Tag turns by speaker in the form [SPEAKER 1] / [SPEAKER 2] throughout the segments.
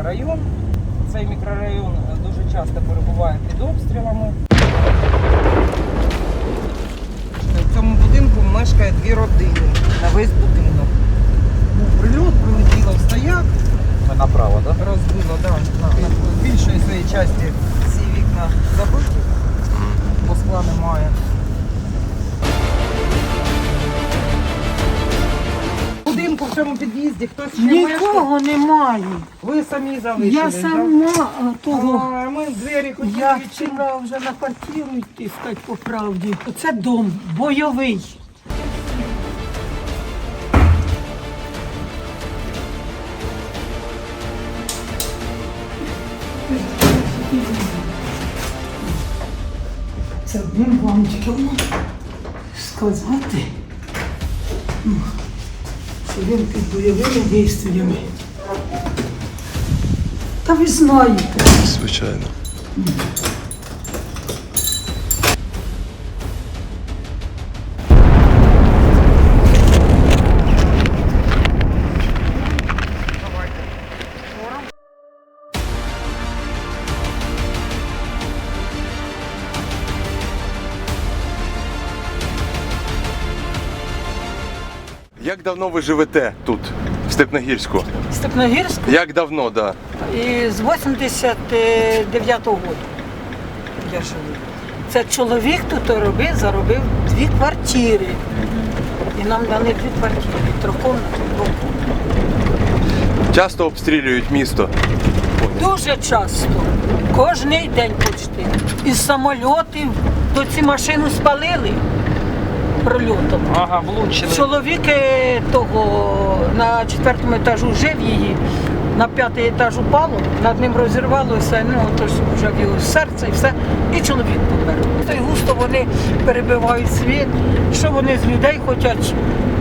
[SPEAKER 1] мікрорайон. Цей мікрорайон дуже часто перебуває під обстрілами. В цьому будинку мешкає 2 родини на весь будинок. Був прильот, прилетіло в стояк.
[SPEAKER 2] Ми направо, так?
[SPEAKER 1] Розбило, так. В більшої своїй частини всі вікна забиті, бо скла немає. В будинку в цьому під'їзді хтось ще мешкає?
[SPEAKER 3] Нікого немає.
[SPEAKER 1] Ви самі залишились,
[SPEAKER 3] Я сама того.
[SPEAKER 1] А ми двері хотіли
[SPEAKER 3] Я
[SPEAKER 1] відчинити.
[SPEAKER 3] хотіла вже на квартиру йти, сказати по правді. Це дом бойовий. Це одним вам тільки сказати, що він під бойовими дійствами. Та ви знаєте.
[SPEAKER 4] Звичайно. Як давно ви живете тут, в Степногірську?
[SPEAKER 3] Степногірськ
[SPEAKER 4] Як давно, да?
[SPEAKER 3] і з 89-го року я живу. Це чоловік тут заробив 2 квартири. І нам дали 2 квартири, трикомнатну, двокомнатну.
[SPEAKER 4] Часто обстрілюють місто.
[SPEAKER 3] Дуже часто, кожний день почти. Із самольотів, то ці машину спалили прильотом.
[SPEAKER 1] Ага, влучили.
[SPEAKER 3] Чоловік того на 4-му етажу жив її, на 5-й етаж упало, над ним розірвалося, ну тож вже в його серце і все, і чоловік помер. Та й густо вони перебивають світ, що вони з людей хочуть,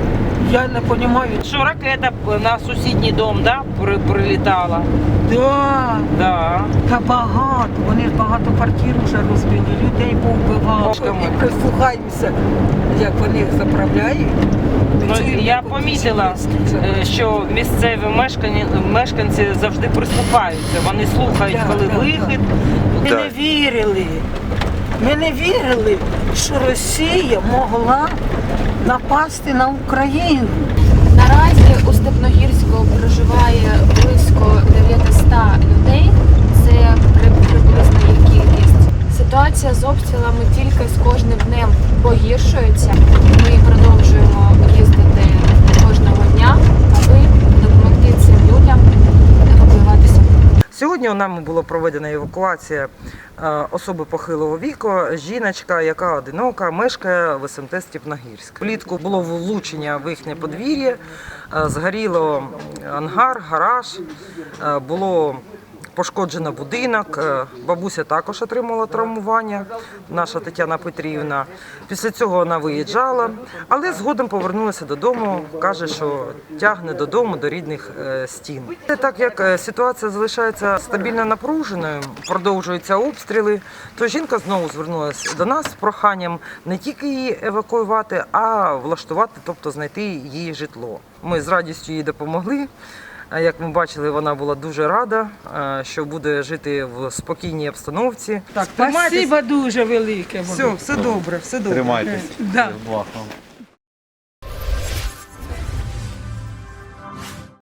[SPEAKER 3] я не розумію.
[SPEAKER 1] Що ракета на сусідній дом, да, прилітала?
[SPEAKER 3] Да,
[SPEAKER 1] Да.
[SPEAKER 3] та багато, вони ж багато квартир вже розбили, людей повбивали.
[SPEAKER 1] Ложками.
[SPEAKER 3] І прислухаємося, як вони їх заправляють.
[SPEAKER 1] Ну,
[SPEAKER 3] Чуємо,
[SPEAKER 1] я
[SPEAKER 3] як
[SPEAKER 1] помітила,
[SPEAKER 3] вони
[SPEAKER 1] що місцеві мешканці завжди прислухаються. Вони слухають,
[SPEAKER 3] Да,
[SPEAKER 1] коли
[SPEAKER 3] да,
[SPEAKER 1] вихід.
[SPEAKER 3] Ми не вірили. Ми не вірили, що Росія могла напасти на Україну.
[SPEAKER 5] Наразі у Степногірську проживає близько 900 людей. Це приблизна їх кількість. Ситуація з обстрілами тільки з кожним днем погіршується. Ми продовжуємо їздити кожного дня, аби допомогти цим людям евакуюватися.
[SPEAKER 1] Сьогодні у нами була проведена евакуація особи похилого віку, жіночка, яка одинока, мешкає в СМТ Степногірськ. Влітку було влучення в їхнє подвір'я, згоріло ангар, гараж, було пошкоджено будинок, бабуся також отримала травмування, наша Тетяна Петрівна. Після цього вона виїжджала, але згодом повернулася додому, каже, що тягне додому, до рідних стін. Так як ситуація залишається стабільно напруженою, продовжуються обстріли, то жінка знову звернулася до нас з проханням не тільки її евакуювати, а влаштувати, тобто знайти її житло. Ми з радістю їй допомогли. Як ми бачили, вона була дуже рада, що буде жити в спокійній обстановці. Так,
[SPEAKER 3] Спасибо дуже велике.
[SPEAKER 1] все добре, все добре.
[SPEAKER 2] Тримайтесь.
[SPEAKER 3] Да.
[SPEAKER 2] Благ вам.